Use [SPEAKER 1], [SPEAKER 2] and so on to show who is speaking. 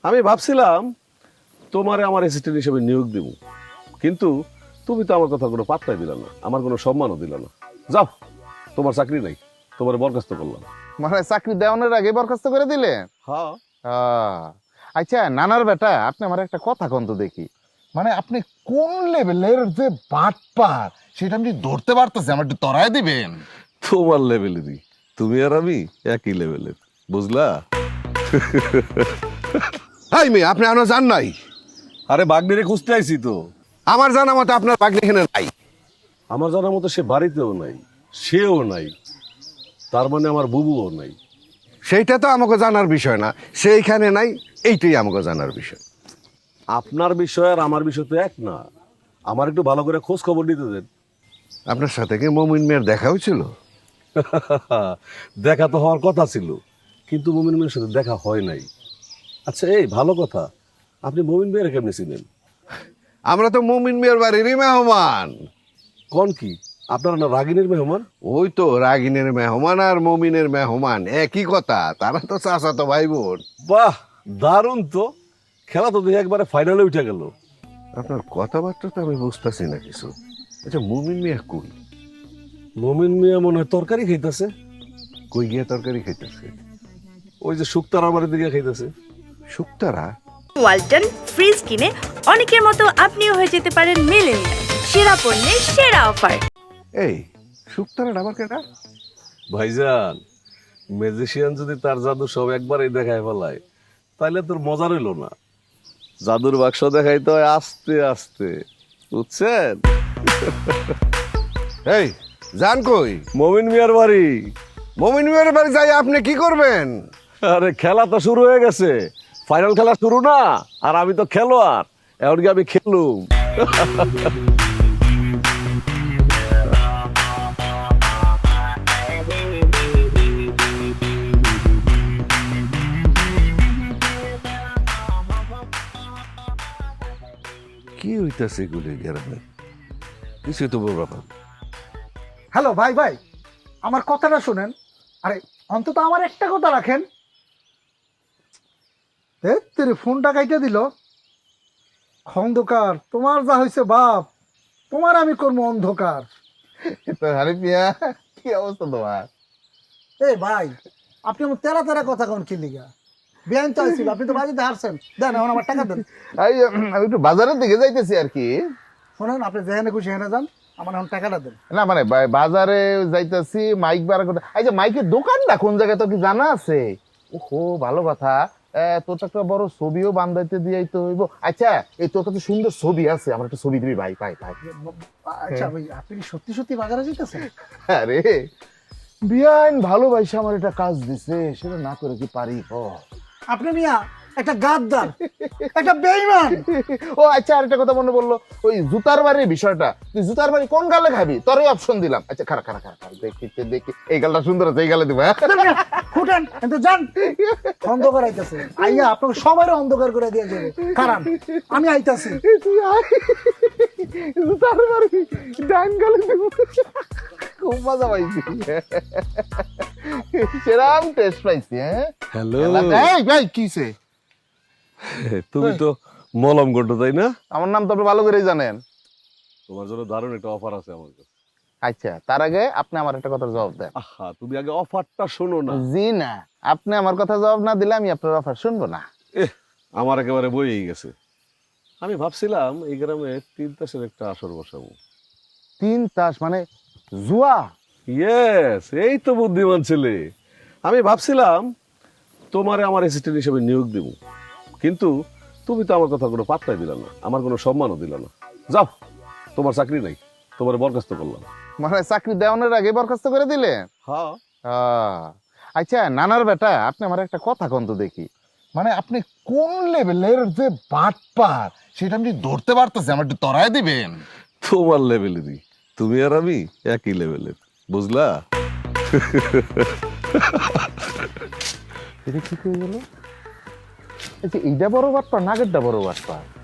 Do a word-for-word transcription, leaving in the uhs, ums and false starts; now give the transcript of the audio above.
[SPEAKER 1] আমি ভাবছিলাম তোমারে আমার অ্যাসিস্ট্যান্ট হিসেবে নিয়োগ দেব, কিন্তু তুমি তো আমার কথা কোনো পাত্তাই দিলা না, আমার কোনো সম্মানও দিলা না। যাও, তোমার চাকরি নাই, তোমার বরখাস্ত করলাম।
[SPEAKER 2] মানে চাকরি দেওয়ানোর আগে বরখাস্ত করে দিলেন?
[SPEAKER 1] হ্যাঁ।
[SPEAKER 2] আহ, আচ্ছা নানার বেটা, আপনি আমার একটা কথা কন্ত দেখি, মানে আপনি কোন লেভেলের যে বাটপার সেটা আপনি ধরতে পারতেছে, আমার একটু তরাই দিবেন।
[SPEAKER 1] তোমার লেভেলেরই, তুমি আর আমি একই লেভেলের, বুঝলা?
[SPEAKER 3] হাই মেয়ে, আপনি আনো জান নাই?
[SPEAKER 1] আরে বাগনিরে খুঁজতে আইছি তো।
[SPEAKER 3] আমার জানা মতো আপনার বাগনি এখানে নাই।
[SPEAKER 1] আমার জানার মতো সে বাড়িতেও নাই, সেও নাই, তার মানে আমার বুবুও নাই।
[SPEAKER 3] সেইটা তো আমাকে জানার বিষয় না, সেইখানে নাই, এইটাই আমাকে জানার বিষয়।
[SPEAKER 1] আপনার বিষয় আর আমার বিষয় তো এক না। আমার একটু ভালো করে খোঁজ খবর নিতে দেন।
[SPEAKER 3] আপনার সাথে কি মমিন মেয়ের দেখা হয়েছিল?
[SPEAKER 1] দেখা তো হওয়ার কথা ছিল, কিন্তু মমিন মেয়ের সাথে দেখা হয় নাই। আচ্ছা, এই ভালো কথা, আপনি মমিন মেয়ের কেমনে ছিলেন?
[SPEAKER 3] আমরা তো মমিন মেয়ের বাড়িরই মেহমান।
[SPEAKER 1] কোন কি, আপনারা না রাগিনীর মেহমান?
[SPEAKER 3] ওই তো রাগিনের মেহমান আর মমিনের মেহমান একই কথা, তারা তো চাচা তো ভাই বোন।
[SPEAKER 1] বাহ, দারুণ তো। খেলা তো দেখে একবারে ফাইনালে উঠে গেল।
[SPEAKER 3] আপনার কথাবার্তা তো আমি বুঝতেছি না কিছু। আচ্ছা মমিন মিয়া কই?
[SPEAKER 1] মমিন মিয়া মনে হয় তরকারি খাইতেছে।
[SPEAKER 3] কই গিয়া তরকারি খাইতেছে?
[SPEAKER 1] ওই যে শুক্তারার বাড়ির দিকে খাইতেছে।
[SPEAKER 3] শুক্তারা?
[SPEAKER 4] ওয়ালটন ফ্রিজ কিনে অনেকের মতো আপনিও হয়ে যেতে পারেন মিলেনিয়াল। সেরা পণ্যের সেরা অফার।
[SPEAKER 3] এই শুক্তারা আবার কেটা?
[SPEAKER 1] ভাইজান, ম্যাজিশিয়ান যদি তার জাদু সব একবারই দেখায় ফেলায়, তাইলে তোর মজা রইল না। জাদুর বাক্স দেখাইতে হয় আস্তে আস্তে, বুঝছেন?
[SPEAKER 3] এই জান কই?
[SPEAKER 1] মমিন মিয়ার বাড়ি।
[SPEAKER 3] মমিন মিয়ার বাড়ি যাই আপনি কি করবেন?
[SPEAKER 1] আরে খেলা তো শুরু হয়ে গেছে, ফাইনাল খেলা শুরু না, আর আমি তো খেলোয়াড়, এমনকি আমি খেলুম।
[SPEAKER 3] কি হইতাছে গুলি গ্রামে? কিছু তো বলবো না।
[SPEAKER 5] হ্যালো ভাই ভাই, আমার কথাটা শুনেন। আরে অন্তত আমার একটা কথা রাখেন। এ তেরে ফোনটা কাইটে দিল। অন্ধকার তোমার যা হয়েছে বাপ, তোমার আমি করবো অন্ধকার।
[SPEAKER 2] তো আরে মিয়া, কি অবস্থা তোমার?
[SPEAKER 5] এই ভাই, আপনি আমার তেরা তেরা কথা কোন কি লিগা? বিয়ান চাইছিল, আপনি তো বাজিতে হারছেন। দেন এখন আমার টাকা দেন।
[SPEAKER 2] এই, আমি একটু বাজারের দিকে যাইতেছি আর কি।
[SPEAKER 5] শোনেন, আপনি যেখানে খুশি সেখানে যান, আমার এখন টাকাটা দেন।
[SPEAKER 2] না মানে বা- বাজারে যাইতেছি, মাইক বার করতে। এই যে মাইকের দোকানটা কোন জায়গায় তো কি জানা আছে? ওহো, ভালো কথা। এ, তোর তো একটা বড় ছবিও বান্ধাইতে দিয়াই তো হইব। আচ্ছা, এই তোর কাছে সুন্দর ছবি আছে, আমার একটা ছবি দিবি ভাই, ভাই ভাই।
[SPEAKER 5] আচ্ছা ভাই, আপনি কি সত্যি সত্যি বাজারে যেতেছেন?
[SPEAKER 2] আরে বিয়ান ভালোবাসা আমার একটা কাজ দিছে, সেটা না করে কি পারি? ও
[SPEAKER 5] আপনি মিয়া একটা গাদ্দার, একটা বেঈমান।
[SPEAKER 2] ও আচ্ছা, আরেকটা কথা মনে বললো, ওই জুতার বাড়ির বিষয়টা। তুই জুতার বাড়ি কোন গালে খাবি, তোরই অপশন দিলাম। আচ্ছা খারা খারা খারা খারা, দেখি দেখি, এই গালটা সুন্দর আছে, এই গালে দিব। হ্যাঁ?
[SPEAKER 5] ফুটেন কিন্তু যান, অন্ধকার আইতাছে। আইয়া আপনাকে সবাই অন্ধকার করে দিয়ে যাবে। কারণ আমি আইতাছি।
[SPEAKER 2] তুই আয়, জুতার বাড়ি ডাইন গালে দিব। খুব মজা পাইছি, সেরাম টেস্ট পাইছি। হ্যাঁ
[SPEAKER 1] হ্যালো,
[SPEAKER 2] এই ভাই, কিসে?
[SPEAKER 1] তুমি তো মলম গন্ড, তাই না?
[SPEAKER 2] আমার নাম তো আপনি ভালো করেই জানেন।
[SPEAKER 1] তোমার জন্য দারুণ একটা অফার আছে আমার কাছে।
[SPEAKER 2] আচ্ছা, তার আগে আপনি আমার একটা কথার জবাব দেন।
[SPEAKER 1] আহা, তুমি আগে অফারটা শোনো না।
[SPEAKER 2] জি না, আপনি আমার কথা জবাব না দিলে আমি আপনার অফার শুনবো না।
[SPEAKER 1] এহ, আমার একেবারে বইয়েই গেছে। আমি ভাবছিলাম এই গ্রামে তিন তাসের একটা আসর বসাবো।
[SPEAKER 2] তিন তাস মানে জুয়া?
[SPEAKER 1] ইয়েস, এই তো বুদ্ধিমান ছেলে। আমি ভাবছিলাম তোমারে আমার অ্যাসিস্ট্যান্ট হিসেবে নিয়োগ দেব, কিন্তু তুমি তো আমার কথা কোনো পাত্তাই দিলা না, আমার কোনো সম্মানও দিলা না। যাও, তোমার চাকরি নাই, তোমার বরখাস্ত করলাম।
[SPEAKER 2] মানে চাকরি দেওয়ানোর আগে বরখাস্ত করে দিলেন?
[SPEAKER 1] হ্যাঁ।
[SPEAKER 2] আহ, আচ্ছা নানার বেটা, আপনি আমার একটা কথা কন্ত দেখি, মানে আপনি কোন লেভেলের যে বাটপার সেটা আপনি ধরতে পারতেছে, আমার একটু তরাই দিবেন।
[SPEAKER 1] তোমার লেভেলেরই, তুমি আর আমি একই লেভেলের, বুঝলা?
[SPEAKER 2] এটা কি হয়ে গেল? আচ্ছা এইটা বড় বাটপার, নাগেরটা বড় বাটপার?